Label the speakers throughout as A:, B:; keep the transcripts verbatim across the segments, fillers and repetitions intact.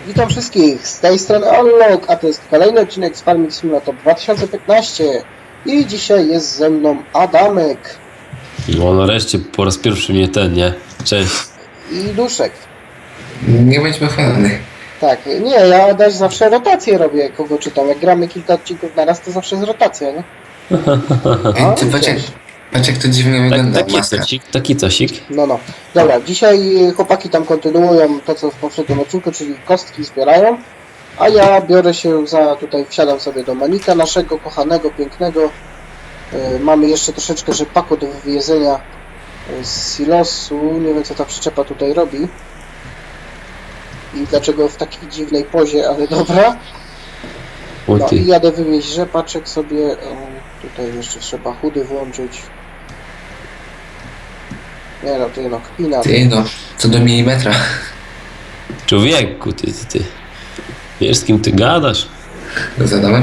A: Witam wszystkich, z tej strony Unlock, a to jest kolejny odcinek z Farming Simulator dwa tysiące piętnaście i dzisiaj jest ze mną Adamek.
B: No nareszcie po raz pierwszy mnie ten, nie? Cześć.
A: I Duszek.
C: Nie bądźmy chwalony.
A: Tak, nie, ja też zawsze rotację robię, kogo czytam. Jak gramy kilka odcinków na raz, to zawsze jest rotacja, nie?
C: Ej, ty patrz jak, patrz jak to dziwnie
B: Tak,
C: wygląda,
B: taki
C: maska.
B: cosik, taki cosik.
A: No, no. Dobra, dzisiaj chłopaki tam kontynuują to, co w poprzednim odcinku, czyli kostki zbierają. A ja biorę się za, tutaj wsiadam sobie do Manika, naszego kochanego, pięknego. Yy, mamy jeszcze troszeczkę rzepaku do wywiezienia z silosu. Nie wiem, co ta przyczepa tutaj robi. I dlaczego w takiej dziwnej pozie, ale dobra.
B: O
A: No
B: ty.
A: i jadę wywieźć rzepaczek sobie. O, tutaj jeszcze trzeba chudy włączyć. Nie no, ty no, kpina.
C: Ty no, co do milimetra.
B: Człowieku, ty, ty, ty. Wiesz, z kim ty gadasz?
C: Zadałem?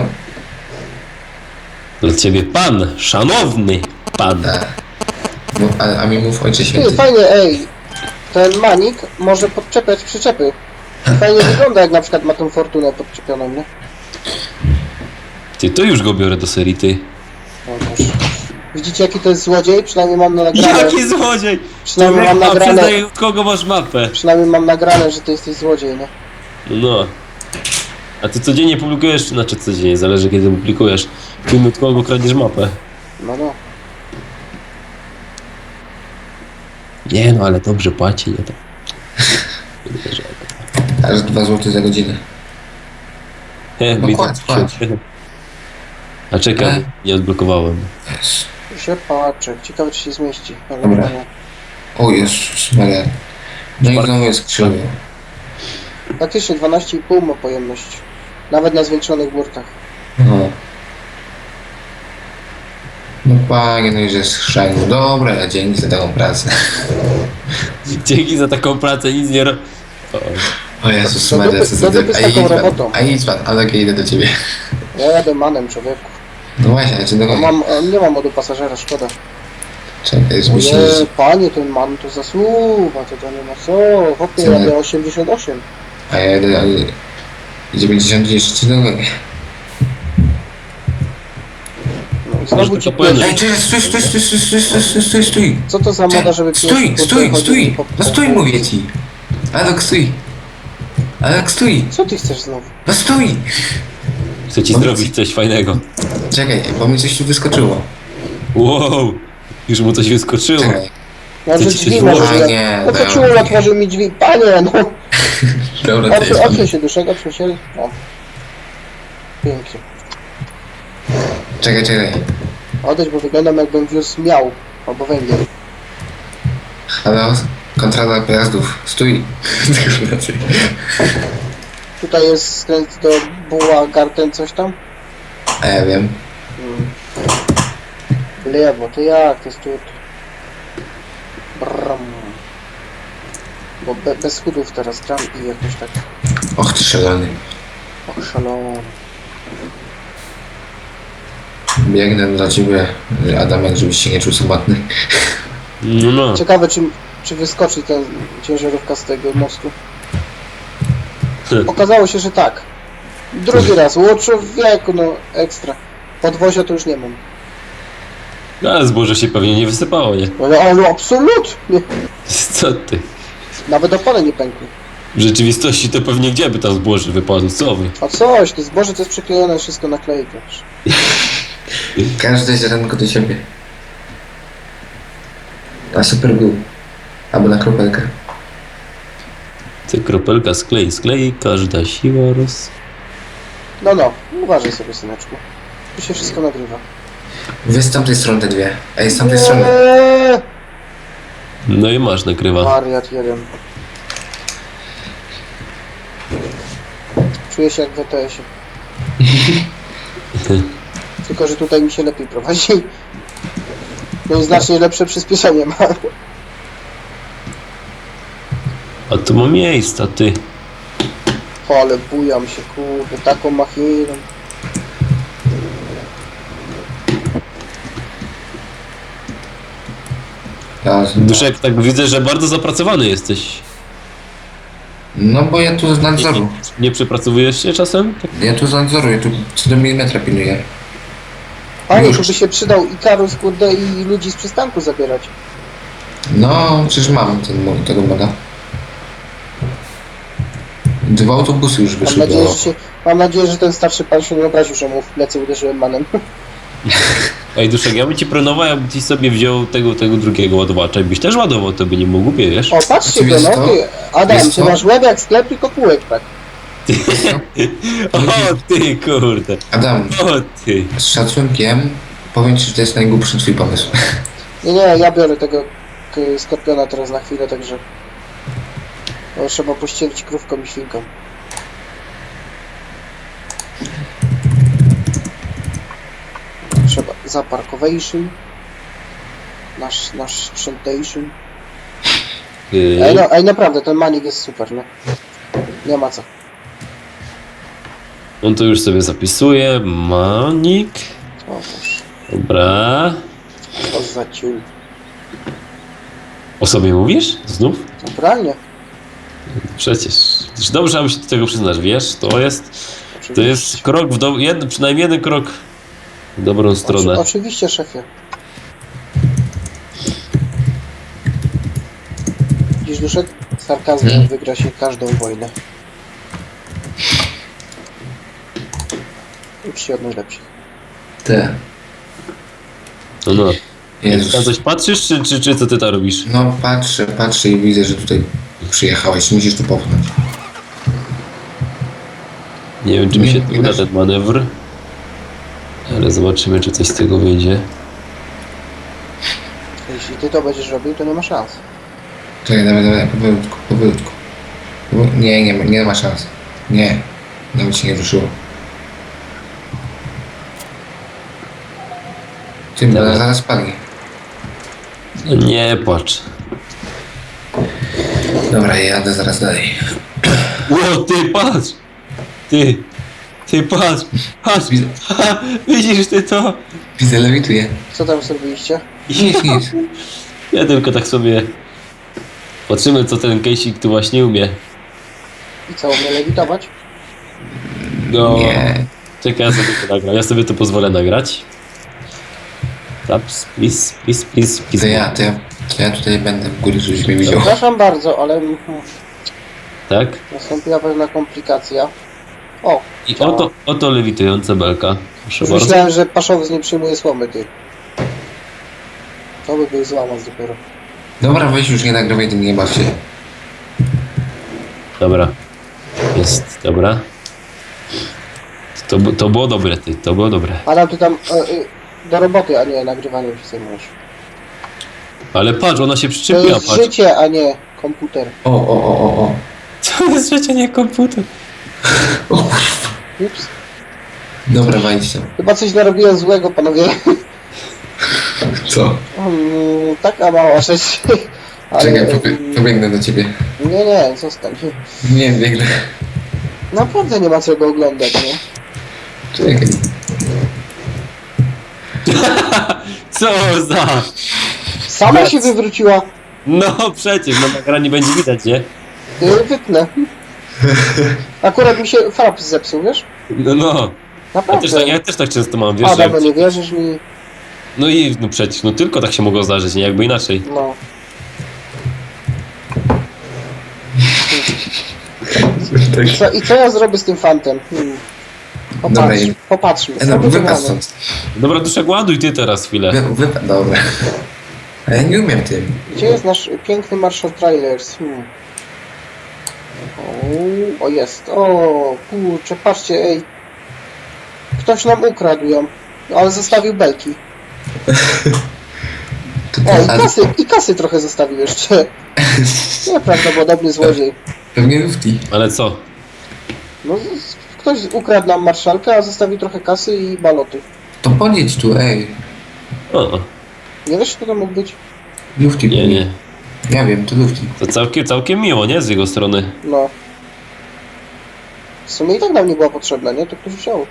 B: Dla ciebie pan, szanowny pan.
C: Tak. No, a, a mi mów ojcze
A: Ty,
C: święty.
A: fajnie, ej. Ten Manik może podczepiać przyczepy. Fajnie wygląda, jak na przykład ma tą fortunę podczepioną, nie?
B: Ty, to już go biorę do serii, ty.
A: No, proszę. Widzicie, jaki to jest złodziej? Przynajmniej mam nagrane.
B: Jaki złodziej!
A: Przynajmniej mam
B: Człowieku, a
A: nagrane.
B: przyznaj, od kogo masz mapę?
A: Przynajmniej mam nagrane, że ty jesteś złodziej, nie?
B: No. A ty codziennie publikujesz, znaczy codziennie, zależy kiedy publikujesz. Film, od kogo kradniesz mapę.
A: No, no.
B: Nie no, ale dobrze płaci, nie tak.
C: Aż dwa złote za godzinę.
B: He,
C: No
B: widzę.
C: kładź, kładź.
B: A czekaj,
C: E?
B: nie odblokowałem.
C: Yes.
A: Rzepaczek. Ciekawe, czy się zmieści. Ale
C: Dobra.
A: no.
C: O Jezus Maria. No i znowu jest krzywo.
A: Faktycznie dwanaście i pół ma pojemność. Nawet na zwiększonych burtach.
C: No. No panie, no już jest chrzęgu. Dobra, dzięki za taką pracę.
B: Dzięki za taką pracę, nic nie ro... O,
C: O Jezus
A: Do
C: Maria,
A: dupy-
C: co za
A: do dupy z
C: A
A: taką
C: idź pan,
A: robotą.
C: a idź pan, ale idę do ciebie.
A: Ja jadę manem, człowieku.
C: No właśnie, a czy do
A: No mam, e, nie mam modu pasażera, szkoda.
C: Czekaj, już
A: O
C: myślę,
A: nie,
C: że...
A: panie, ten man to zasuwa, to to nie ma co. Hopie,
C: Co?
A: jadę osiemdziesiąt osiem.
C: A ja jedę, ale... dziewięćdziesiąt jeszcze do nogi.
A: No i znowu
B: Może
A: ci
B: to powiem.
A: pierwszy.
C: Ej, czekaj, stój, stój, stój, stój, stój, stój, stój, stój, stój.
A: Co to za moda, żeby
C: Stój,
A: pierwszy
C: stój,
A: chodzi
C: stój,
A: po-
C: no
A: po-
C: stój, mówię ci. Alok, stój. Alok, stój.
A: Co ty chcesz znowu?
C: No stój.
B: chcę ci
C: Powiedz-
B: zrobić coś fajnego.
C: Czekaj, bo mi coś tu wyskoczyło.
B: Wow! Już mu coś wyskoczyło.
C: Czekaj.
A: Może
B: Chcę ci
A: drzwi
B: coś
A: może.
C: włożyć.
A: ja-
C: Nie,
A: No to
C: dobra.
A: ciul otworzył mi drzwi. Panie, no.
C: Dobra, to
A: Otwórz,
C: jest
A: otwórz się, Duszek, otwórz się. O. Pięknie.
C: Czekaj, czekaj.
A: Odejdź, bo wyglądam, jakbym wiózł miał. Albo węgiel.
C: Halo? Kontrola pojazdów. Stój. Tylko raczej.
A: Tutaj jest skręt do Buła Garten, coś tam.
C: A ja wiem.
A: Hmm. Lewo, to jak? To jest tu. Bram. Bo be, bez schudów teraz gram i jakoś tak
C: Och, ty szalony.
A: oszalony.
C: Biegnę dla ciebie, Adamek, żebyś się nie czuł samotny.
B: No, no.
A: Ciekawe, czy, czy wyskoczy ten ciężarówka z tego mostu. Okazało się, że tak. Drugi raz. Łotrzu w wieku, no ekstra. Podwozia to już nie mam.
B: Ale zboże się pewnie nie wysypało, nie?
A: No, ale absolutnie.
B: Co ty?
A: Nawet opony nie pękły.
B: W rzeczywistości to pewnie gdzie by tam zboże wypadło, co wy?
A: A coś, to zboże to jest przyklejone wszystko na klej też.
C: Każde ziarenko do siebie. Na super glue. Albo na kropelkę.
B: Ty kropelka sklei, sklei, każda siła roz...
A: No, no. Uważaj sobie, syneczku. Tu się wszystko nagrywa.
C: Wy z tamtej strony te dwie. Ej, z tamtej strony.
A: Eee,
B: No i masz, nakrywa.
A: Wariat jeden. Czuję się jak w E T S-ie. Tylko, że tutaj mi się lepiej prowadzi. No i znacznie lepsze przyspieszenie ma.
B: A tu ma miejsca, ty.
A: O, ale bujam się, kurde, taką machiną.
C: Ja,
B: Duszek, tak widzę, że bardzo zapracowany jesteś.
C: No bo ja tu z
B: Nie,
C: nadzoru.
B: nie, nie przepracowujesz się czasem?
C: Ja tu z nadzoru, ja tu co do milimetra pilnuję.
A: Panie,
C: Już.
A: tu by się przydał Ikarus, kurde, i ludzi z przystanku zabierać.
C: No, przecież mam ten, mo- tego moda. Dwa autobusy już
A: Mam
C: wyszły
A: nadzieję,
C: do...
A: że się, mam nadzieję, że ten starszy pan się nie obraził, że mu w plecy uderzyłem manem.
B: Ej, Duszek, ja bym ci pronował, jakby ci sobie wziął tego, tego drugiego ładowacza i byś też ładował, to by nie mógł głupie, wiesz?
A: O, patrzcie
C: Czy
A: go,
C: wiesz
A: no
C: co?
A: ty, Adam,
C: Wiesz
A: ty
C: co?
A: masz łeb jak sklep, tylko kółek, tak.
B: O ty, kurde.
C: Adam,
B: O ty.
C: z szacunkiem powiem ci, że to jest najgłupszy twój pomysł.
A: Nie, nie, ja biorę tego k- skorpiona teraz na chwilę, także... No, trzeba pościelić krówką i świnką. Trzeba zaparkowation. Nasz, nasz sprzętation.
B: Ty.
A: Ej, no, ej, naprawdę, ten manik jest super, nie? Nie ma co.
B: On to już sobie zapisuje. Manik.
A: O, Boże,
B: Dobra.
A: to za ciul.
B: O sobie mówisz? Znów?
A: Naturalnie.
B: Przecież. Przecież dobrze, aby się do tego przyznać, wiesz? To jest,
A: Oczywiście.
B: to jest krok w do... Jed, przynajmniej jeden krok w dobrą stronę.
A: Oczy, oczywiście, szefie. Dziś duszek sarkazmem
C: Hmm?
A: wygra się każdą wojnę. Ucz się od najlepszych.
C: Te.
B: No, no. Na
C: Jezus.
B: coś patrzysz, czy, czy, czy co ty tam robisz?
C: No patrzę, patrzę i widzę, że tutaj przyjechałeś. Musisz tu popchnąć.
B: Nie wiem, czy mi
C: Nie,
B: się
C: nie
B: uda
C: dasz.
B: ten manewr. Ale zobaczymy, czy coś z tego wyjdzie.
A: Jeśli ty to będziesz robił, to nie ma szans.
C: Czekaj, dawaj, dawaj, powolutku, powolutku. Powo- Nie, nie ma, nie ma szans. Nie. Nawet się nie ruszyło. Ty, bo
B: Dobra.
C: ona zaraz spadnie.
B: No nie płacz.
C: Dobra, ja jadę zaraz dalej.
B: Ło, ty patrz! Ty! Ty patrz! Patrz!
C: Widzę,
B: Ha, widzisz ty to?
C: widzę, lewituję.
A: Co tam zrobiliście?
C: Nic, nic.
B: Ja tylko tak sobie... Patrzymy, co ten Kejsik tu właśnie umie.
A: I co, umie lewitować?
B: No...
C: Nie.
B: Czekaj, ja sobie to nagram. Ja sobie to pozwolę nagrać. Taps, please, please, please, please.
C: To ja, to ja, to ja tutaj będę w góry, żebyś mnie widział.
A: Przepraszam bardzo, ale mhm,
B: Tak?
A: nastąpiła pewna komplikacja. O,
B: I oto, oto lewitująca belka. Proszę
A: już
B: bardzo.
A: myślałem, że Paszowiec nie przyjmuje słomy, ty. To by był złamać dopiero.
C: Dobra, weź już nie nagrywaj, tym nie baw się.
B: Dobra. Jest, dobra. To, bu- to było dobre, ty, to było dobre.
A: Adam, ty tam e, e, do roboty, a nie nagrywaniem się zajmujesz.
B: Ale patrz, ona się
A: To
B: przyczepiła,
A: jest
B: patrz.
A: życie, a nie komputer.
C: O, o, o, o, o.
B: To jest życie, nie komputer.
C: O kurwa.
A: Ups.
C: Dobra, wejdź tam.
A: Chyba coś narobiłem złego, panowie.
C: Co?
A: Mm, taka mała rzecz. Ale,
C: Czekaj, pobie
A: mm,
C: pobiegnę do ciebie.
A: Nie, nie, zostań.
C: Nie, biegnę.
A: Naprawdę nie ma czego oglądać, nie?
C: Czekaj.
B: Co za...
A: Sama
B: Yes.
A: się wywróciła.
B: No przecież, na nagraniu będzie widać, nie?
A: Yy, Wytnę. Akurat mi się fraps zepsuł, wiesz?
B: No, no. Ja
A: Naprawdę.
B: też, tak, ja też tak często mam, wiesz,
A: Adam,
B: że...
A: no nie wierzysz mi?
B: No i no przecież, no tylko tak się mogło zdarzyć, nie jakby inaczej.
A: No.
C: Tak.
A: Co, I co ja zrobię z tym fantem? Hmm.
C: Dobra,
A: Popatrz,
C: i-
A: popatrzmy.
C: E, no,
A: Co by to
C: wypadł
A: mamy?
C: stąd.
B: Dobra, Duszek, ładuj ty teraz chwilę.
C: Wy, wypadł, dobra. A ja nie umiem tym.
A: Gdzie jest nasz piękny Marshall Trailers? Hmm. O, o jest. O, kurczę, patrzcie, ej. Ktoś nam ukradł ją, ale zostawił belki.
C: To
A: O, i
C: ale
A: kasy, i kasy trochę zostawił jeszcze. Nieprawdopodobny złodziej.
C: pewnie lufti.
B: Ale co?
A: No, z- ktoś ukradł nam marszalkę, a zostawił trochę kasy i baloty.
C: To podjedź tu, ej.
B: O,
A: Nie wiesz, kto to mógł być?
C: Lufti.
B: nie, nie.
C: Ja wiem, to lufti.
B: To całkiem, całkiem miło, nie? Z jego strony.
A: No. W sumie i tak nam nie była potrzebna, nie? To ktoś wziął.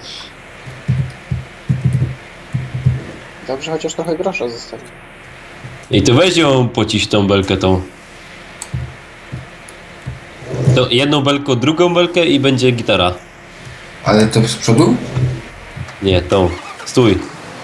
A: Dobrze, chociaż trochę grosza zostawił.
B: I to weź ją pociś tą belkę tą. To jedną belkę, drugą belkę i będzie gitara.
C: Ale to z przodu?
B: Nie, tą. Stój.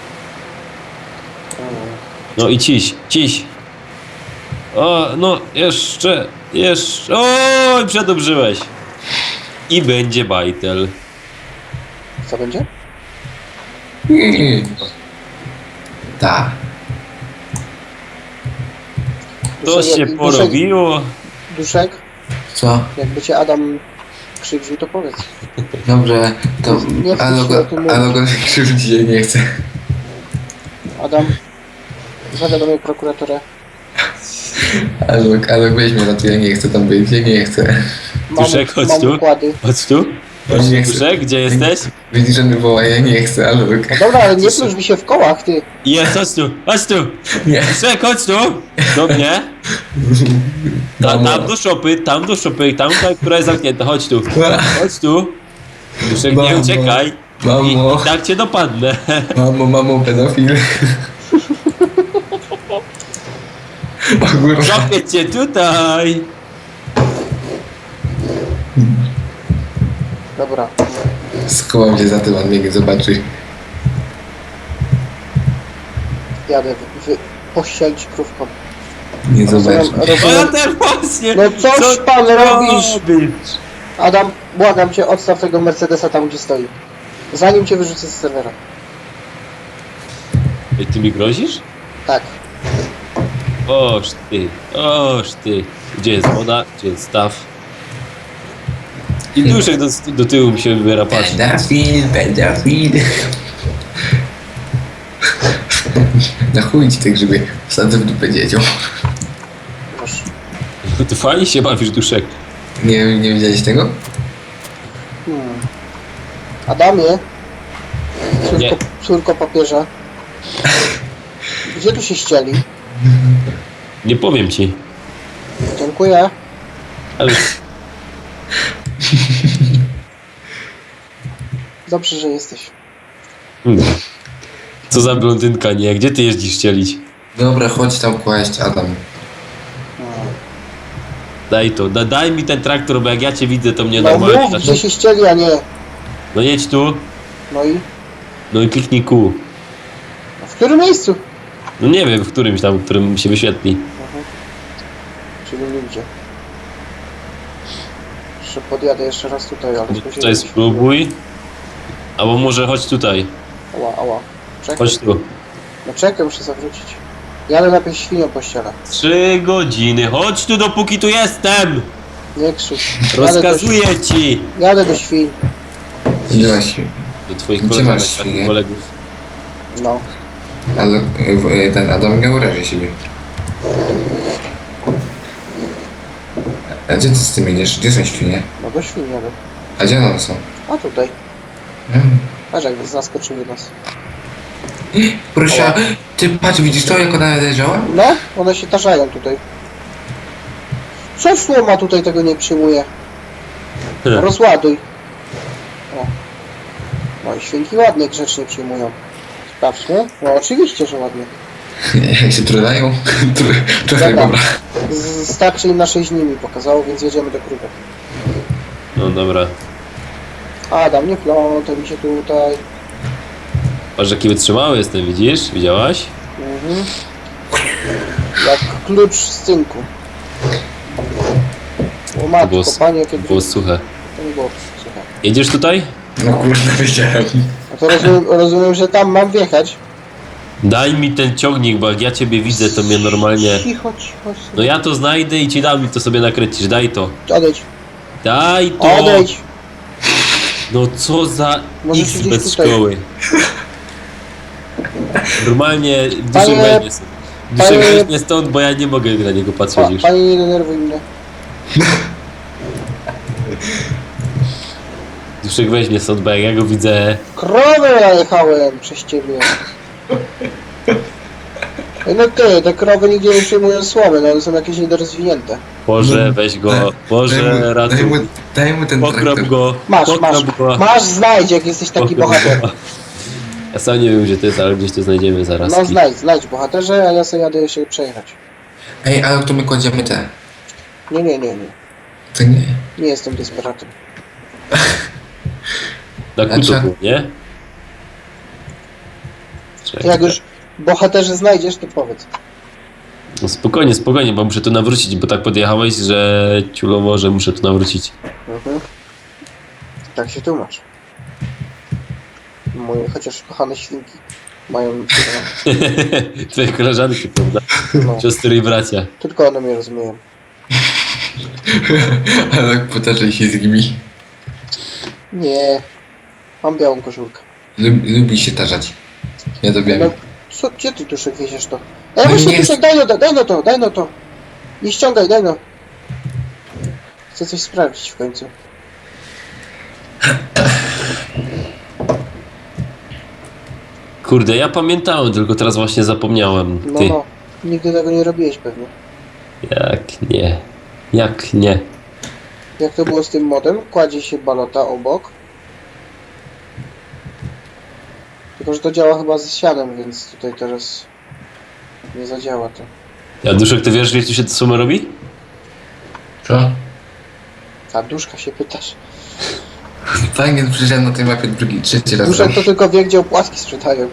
B: No i ciś, ciś. O, no, jeszcze, jeszcze. Oj, przedobrzyłeś. I będzie bajtel.
A: Co będzie?
C: Nie. Tak.
B: To
A: Duszek,
B: się
A: jak-
B: porobiło.
A: Duszek,
C: Co?
A: jakby cię Adam krzywdził, to powiedz.
C: Dobrze, to
A: Nie chcę
C: ale
A: się
C: go,
A: o tym mówić.
C: ale go krzywdzić się nie chcę.
A: Adam, zawiadomię prokuraturę.
C: Ale, ale weź mnie, no to ja nie chcę tam być, ja nie chcę.
A: Mam,
B: Duszek, chodź
A: mam
B: tu.
A: układy.
B: Chodź tu. Chodź
C: Nie
B: tu,
C: chcę.
B: Duszek, gdzie jesteś?
C: Widzisz, że mnie woła, ja nie chcę, ale
A: No dobra, ale nie plusz mi się w kołach, ty.
B: Jest, chodź tu, chodź tu.
C: nie.
B: Duszek, chodź tu. Do mnie. Ta, tam do szopy, tam do szopy, tam, ta, która jest zamknięta. Chodź tu. Chodź tu. Duszek, nie
C: Mamo.
B: uciekaj. I,
C: Mamo,
B: I tak cię dopadnę.
C: mamo, mamo, pedofil. O kurwa.
B: Złapię cię tutaj.
A: Dobra.
C: Schowam się za tym, on mnie nie zobaczy.
A: Jadę wy, wy, pościelić krówką.
C: Nie zobaczy.
A: Rozumiem,
B: No ja
A: rozumiem.
B: też właśnie.
A: No coś
B: Co
A: pan
B: ty
A: robisz?
B: robisz?
A: Adam, błagam cię, odstaw tego Mercedesa tam, gdzie stoi. Zanim cię wyrzucę z serwera.
B: Ej, ty mi grozisz?
A: Tak.
B: Oż ty, oż ty. Gdzie jest woda? Gdzie jest staw? I duszek do, do tyłu mi się wybiera, patrz.
C: Pedofil, pedofil. Na chuj ci te grzyby. Wsadzę w dupę dzieciom.
A: Proszę.
B: Ty fajnie się bawisz, duszek.
C: Nie, nie widziałeś tego?
A: Hmm. Adamie,
B: Nie.
A: córko, córko papieża, gdzie tu się ścieli?
B: Nie powiem ci.
A: Dziękuję.
B: Ale
A: Dobrze, że jesteś.
B: hmm. Co za blondynka, nie? Gdzie ty jeździsz cielić?
C: Dobra, chodź tam kłaść, Adam.
A: Hmm.
B: Daj to, da, daj mi ten traktor, bo jak ja cię widzę, to mnie
A: No
B: normalnie...
A: mów, gdzie się ścieli, a nie.
B: No jedź tu,
A: No i?
B: no i kliknij kół.
A: W którym miejscu?
B: No nie wiem, w którymś tam, w którym się wyświetli.
A: Mhm. Czyli nigdzie. Jeszcze podjadę jeszcze raz tutaj, ale...
B: No
A: spóźniłem
B: tutaj
A: się.
B: spróbuj. Albo może chodź tutaj.
A: Ała, ała. Czekaj.
B: Chodź tu.
A: No czekaj, muszę zawrócić. Jadę najpierw świnią po ściele.
B: Trzy godziny. Chodź tu, dopóki tu jestem!
A: Nie krzycz. Jadę do,
B: Rozkazuję ci!
A: jadę do świn.
C: Gdzie masz?
B: Do twoich
C: Gdzie
B: koleżanek,
C: masz
B: takich
C: świnie?
B: kolegów.
A: No.
C: Ale y, ten Adam nie uraży siebie. A gdzie ty z tym idziesz? Gdzie są świnie?
A: No do świn jadę.
C: A gdzie one są?
A: A tutaj.
C: Hmm.
A: Patrz jak zaskoczyły nas.
C: Proszę, ty patrz, widzisz to, jak ona leżała?
A: No, one się tarzają tutaj. Co słoma tutaj tego nie przyjmuje? Rozładuj. O. No i świnki ładnie, grzecznie przyjmują. Sprawdźmy. No oczywiście, że ładnie.
C: Jak się trudają? Trochę
A: Dobra.
C: dobra.
A: Z- Starczy im na sześć dni mi pokazało, więc jedziemy do krówek.
B: No dobra.
A: Adam, nie plątaj mi się tutaj.
B: Patrz, jaki wytrzymały jestem, widzisz? Widziałaś?
A: Mhm. Jak klucz z cynku. O
B: To
A: matko,
B: było,
A: panie, jakie
B: było
A: drugie.
B: suche.
A: To nie było słuchaj.
B: Jedziesz tutaj?
C: No kurde, wiedziałem.
A: No to rozumiem, rozumiem, że tam mam wjechać.
B: Daj mi ten ciągnik, bo jak ja ciebie widzę, to mnie normalnie...
A: Cicho, cicho.
B: No ja to znajdę i ci dam i to sobie nakręcisz. Daj to.
A: Odejdź,
B: Daj to!
A: odejdź.
B: No co za
A: Może
B: X
A: gdzieś
B: bez
A: tutaj.
B: szkoły. Normalnie duszek
A: Panie-
B: weźmie stąd. Duszek
A: panie-
B: weźmie stąd, bo ja nie mogę na niego
A: Pa,
B: patrzeć już.
A: panie, nie denerwuj mnie.
B: Duszek weźmie stąd, bo jak ja go widzę...
A: Krowę najechałem przez ciebie. Ej, no ty, te krowy nigdzie nie przyjmują słomy, no one są jakieś niedorozwinięte.
B: Boże, weź go,
C: Daj mu,
B: Boże,
C: daj mu,
B: ratuj.
C: daj mu ten
B: Pokrop
C: traktor.
B: go,
A: Masz, masz,
B: pokrop go.
A: masz, znajdź, jak jesteś taki
B: pokrop
A: bohater.
B: go. Ja sam nie wiem, gdzie to jest, ale gdzieś to znajdziemy zaraz.
A: No znajdź, znajdź bohaterze, a ja sobie jadę się przejechać.
C: Ej, ale to my kładziemy te.
A: Nie, nie, nie, nie.
C: To nie.
A: Nie jestem desperatem.
B: Na
C: Znaczy-
B: kutu, nie? Czekaj.
A: Jak już bohaterze znajdziesz, to powiedz.
B: No spokojnie, spokojnie, bo muszę tu nawrócić, bo tak podjechałeś, że ciulowo, że muszę tu nawrócić.
A: Mhm. Tak się tłumacz. Moje chociaż kochane świnki mają...
B: Twoje koleżanki, prawda?
A: No,
B: Siostry i bracia.
A: tylko one mnie rozumieją.
C: Ale tak potaczaj się z nimi.
A: Nie. Mam białą koszulkę.
C: Lub, lubi się tarzać. Ja to wiem.
A: No, co, gdzie ty Duszek wieziesz to? Ej,
C: No
A: właśnie
C: nie
A: Duszek, daj no to, daj no to, daj no to. Nie ściągaj, daj no. Chcę coś sprawdzić w końcu.
B: Kurde, ja pamiętałem, tylko teraz właśnie zapomniałem.
A: No,
B: Ty,
A: no. Nigdy tego nie robiłeś pewnie.
B: jak nie? Jak nie?
A: Jak to było z tym modem? Kładzie się balota obok. Tylko, że to działa chyba z sianem, więc tutaj teraz nie zadziała to.
B: Ja Duszek, ty wiesz, jak tu się to samo robi?
C: Co?
A: A Duszka się pytasz.
C: Fajnie, przyjrzałem na tej mapie drugi, trzeci raz.
A: Duszek to tylko wie, gdzie opłatki sprzedają.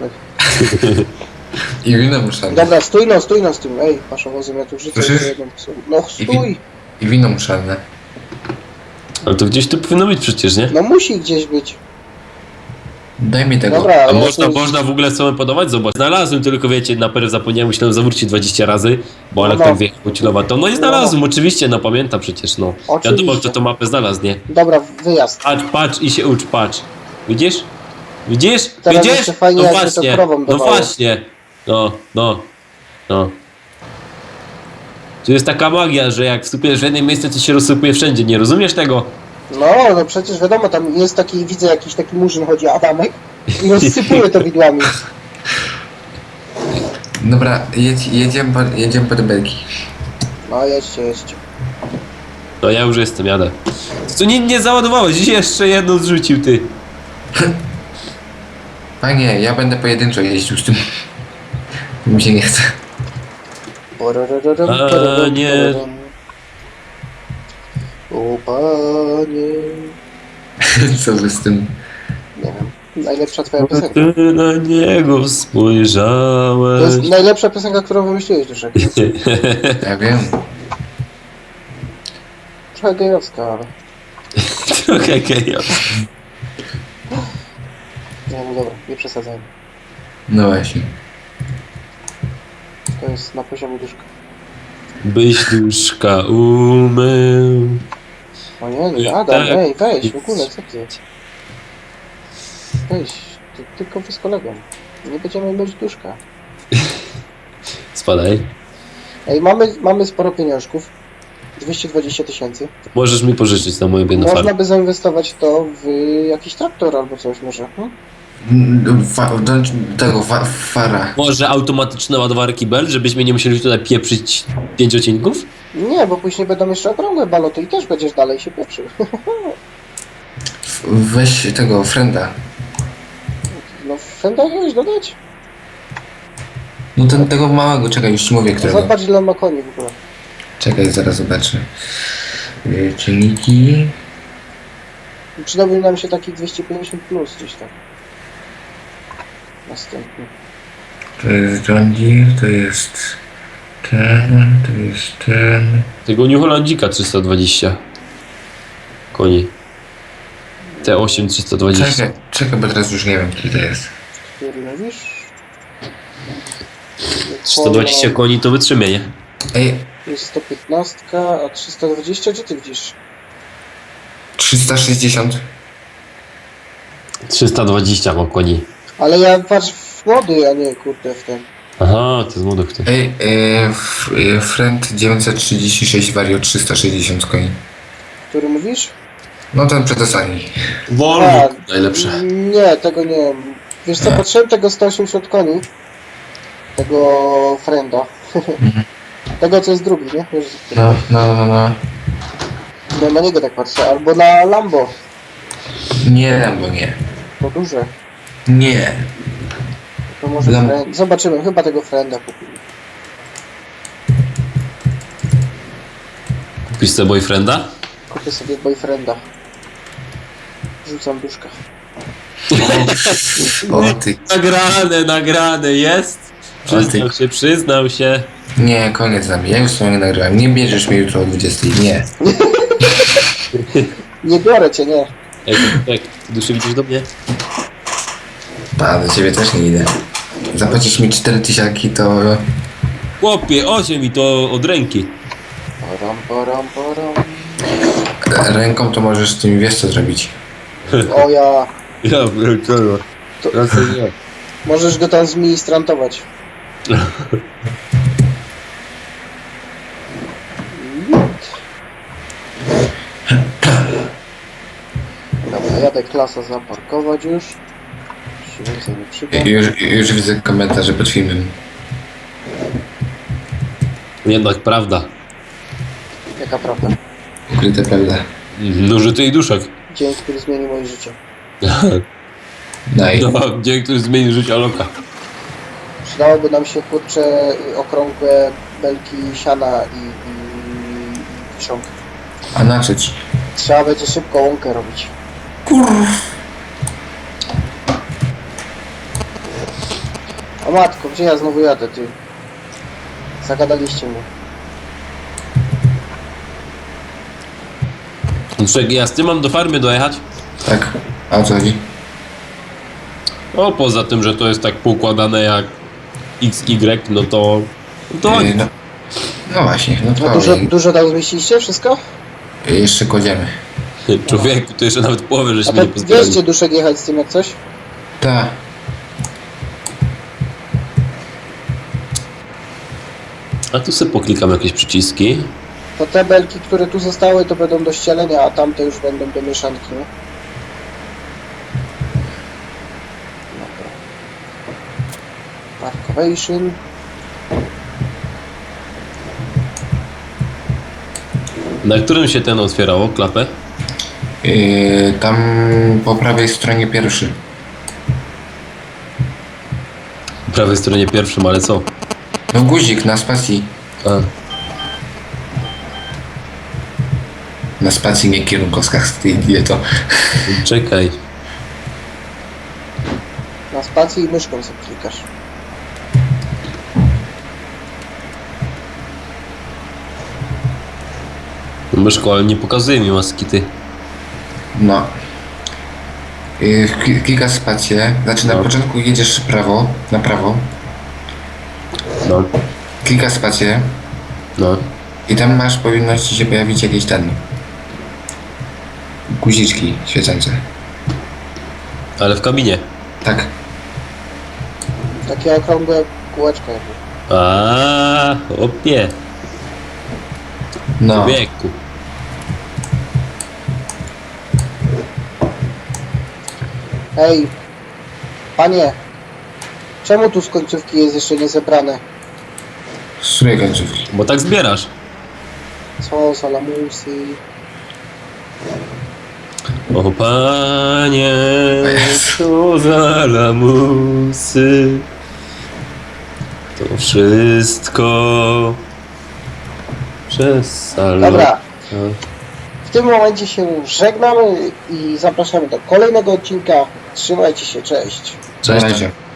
C: I wino muszane.
A: Dobra, stój no, stój no z tym. Ej, paszowozem, ja tu wrzucę
C: Słyszysz?
A: jedną osobę. No stój!
C: I wino muszane.
B: Ale to gdzieś tu powinno być przecież, nie?
A: No musi gdzieś być.
C: Daj mi tego.
A: Dobra,
B: A
A: ale
B: można,
A: to-
B: można w ogóle sobie podawać? Zobacz, znalazłem, tylko wiecie, na pewno zapomniałem, musiałem zawrócić dwadzieścia razy, bo Alek
A: No.
B: tak wjechał cilowato. No i znalazłem, oczywiście, no pamiętam przecież, no.
A: Oczywiście.
B: Wiadomo, kto tą mapę znalazł, nie?
A: Dobra, wyjazd.
B: Patrz, patrz i się ucz, patrz. Widzisz? Widzisz?
A: Teraz
B: Widzisz?
A: jeszcze fajnie,
B: no
A: jakby to
B: właśnie,
A: krowom
B: no
A: dawało.
B: właśnie. No, no, no. Tu jest taka magia, że jak wstupujesz w jedno miejsce, to się rozsypuje wszędzie, nie rozumiesz tego?
A: No, no przecież wiadomo, tam jest taki, widzę jakiś taki murzyn chodzi, Adamek i rozsypuje to widłami.
C: Dobra, jedź, jedziemy, po, jedziemy po te belki.
A: No jedźcie, jedźcie.
B: No ja już jestem, jadę. Co nie, nie załadowałeś, jeszcze jedną zrzucił, ty.
C: Panie, ja będę pojedynczo jeździł z tym. Mi się nie chce.
A: Pororororem,
B: A,
A: porororem,
B: nie.
A: porororem. O panie.
C: Co wy z tym?
A: Nie wiem. Najlepsza twoja piosenka.
B: Ty na niego
A: To
B: spojrzałeś.
A: jest najlepsza piosenka, którą wymyśliłeś, Duszek.
C: Ja wiem.
A: Trochę gejowska, ale...
B: Trochę gejo.
A: Nie, no dobra, nie przesadzajmy.
C: No właśnie.
A: To jest na poziomie Duszka.
B: Byś duszka umył.
A: O nie, nie, Adam,
B: Tak.
A: ej, weź, w ogóle, co ty? Weź, ty, tylko wy z kolegą. Nie będziemy mieć Duszka.
B: Spadaj.
A: Ej, mamy, mamy sporo pieniążków. dwieście dwadzieścia tysięcy.
B: Możesz mi pożyczyć na moją biedną
A: Można
B: farmę.
A: by zainwestować to w jakiś traktor albo coś może. Hmm?
C: Fa, do tego fa, fara.
B: Może automatyczne ładowarki Bell, żebyśmy nie musieli tutaj pieprzyć pięć odcinków?
A: Nie, bo później będą jeszcze okrągłe baloty i też będziesz dalej się pieprzył.
C: Weź tego, frenda.
A: No Fenda jakiegoś dodać?
C: No ten, tego małego, czekaj, już ci mówię,
A: No
C: którego.
A: zobacz ile on ma koni w ogóle.
C: Czekaj, zaraz zobaczę. Yy, Czynniki.
A: Przydałby nam się taki dwieście pięćdziesiąt plus gdzieś tam. Następny.
C: To jest John Deere, to jest ten, to jest ten.
B: Tego New Hollandika trzysta dwadzieścia koni. T osiem trzysta dwadzieścia.
C: Czekaj, czekaj, bo teraz już nie wiem, który to jest.
A: Który mówisz?
B: trzysta dwadzieścia koni to wytrzymie, nie?
C: Ej,
A: Jest sto piętnaście, a trzysta dwadzieścia gdzie ty widzisz?
C: trzysta sześćdziesiąt.
B: trzysta dwadzieścia ma koni.
A: Ale ja patrz w młody, a nie kurde w ten.
B: Aha, to jest młody kto.
C: Ej, yy, f, yy, Friend dziewięćset trzydzieści sześć Vario trzysta sześćdziesiąt koni.
A: Który mówisz?
C: No ten przedostatni.
B: Volvo
A: A,
B: najlepsze.
A: Nie, tego nie. Wiesz co, patrzyłem tego sto osiemdziesiąt koni. Tego Frenda. Tego co jest drugi, nie? Wiesz,
C: No, no, no, no.
A: no na niego tak patrzę. Albo na Lambo.
C: Nie, bo nie.
A: To duże.
C: Nie.
A: To może
C: Lam-
A: Friend. Zobaczymy, chyba tego Frenda kupimy.
B: Kupisz sobie boyfrienda?
A: Kupię sobie boyfrienda. Rzucam duszka.
C: O ty.
B: Nagrane, nagrane, jest! Przyznał się, przyznał się.
C: Nie, koniec z nami. Ja już sobie nie nagrałem. Nie bierzesz mnie jutro o dwudziestej. Nie.
A: Nie biorę cię, nie.
B: Ej, jak duszy widzisz do mnie?
C: A, do ciebie też nie idę. Zapłacisz mi cztery tysiaki, to...
B: Chłopie, osiem i to od ręki.
A: Porom, porom, porom.
C: Ręką to możesz z tym, wiesz co zrobić.
A: O ja.
B: Ja pierdolę.
A: To-
B: Raczej nie.
A: Możesz go tam zministrantować. Dobra, jadę klasa zaparkować już. Się więcej nie przyda.
C: Już, już widzę komentarze pod filmem.
B: Jednak prawda.
A: Jaka prawda?
C: Ukryte prawda.
B: No, że ty i duszek.
A: Dzień, który zmienił moje życie.
C: Daj.
B: No, dzień, który zmienił życie Aloka.
A: Przydałoby nam się kurcze okrągłe belki siana i, i, i kiszonki.
C: A na co ci?
A: Trzeba będzie szybko łąkę robić. O matko, gdzie ja znowu jadę, ty? Zagadaliście mnie.
B: Duszek, ja z tym mam do farmy dojechać?
C: Tak. A o co chodzi?
B: O, poza tym, że to jest tak poukładane jak X Y, no to... No to
C: Yy, no, no właśnie, no
A: No
C: to
A: dużo, dużo tam zmieściliście? Wszystko?
C: jeszcze kładziemy.
B: człowieku, to jeszcze nawet połowę
A: A
B: żeśmy
A: to
B: nie pozbierali.
A: wierzcie duszek jechać z tym jak coś?
C: Tak.
B: A tu sobie poklikam jakieś przyciski.
A: To te belki, które tu zostały, to będą do ścielenia, a tamte już będą do mieszanki, nie? Dobra. Parkowation.
B: Na którym się ten otwierało, klapę?
C: Yy, tam po prawej stronie pierwszy.
B: Po prawej stronie pierwszym, ale co?
C: No guzik na spacji.
B: A,
C: Na spacji, nie kierunkowskach, ty idioto.
B: czekaj.
A: Na spacji i myszką sobie klikasz.
B: Myszko, ale nie pokazuje mi maski, ty.
C: No. Yy, kli- klikasz spację, znaczy na
B: No.
C: początku jedziesz prawo, na prawo,
B: No,
C: klikasz spację
B: no.
C: i tam masz, powinno ci się pojawić jakieś ten... guziczki świecące.
B: Ale w kabinie.
C: Tak.
A: Takie okrągłe kółeczko jakby.
B: A, opie.
C: No.
B: Wieku.
A: Ej, panie, czemu tu z końcówki jest jeszcze nie zebrane?
C: Z której końcówki?
B: Bo tak zbierasz.
A: Co za lamusy?
B: O panie,
C: Jezu.
B: co za lamusy. To wszystko przez salon.
A: Dobra, w tym momencie się żegnamy i zapraszamy do kolejnego odcinka. Trzymajcie się, cześć.
B: Cześć.
C: Na razie.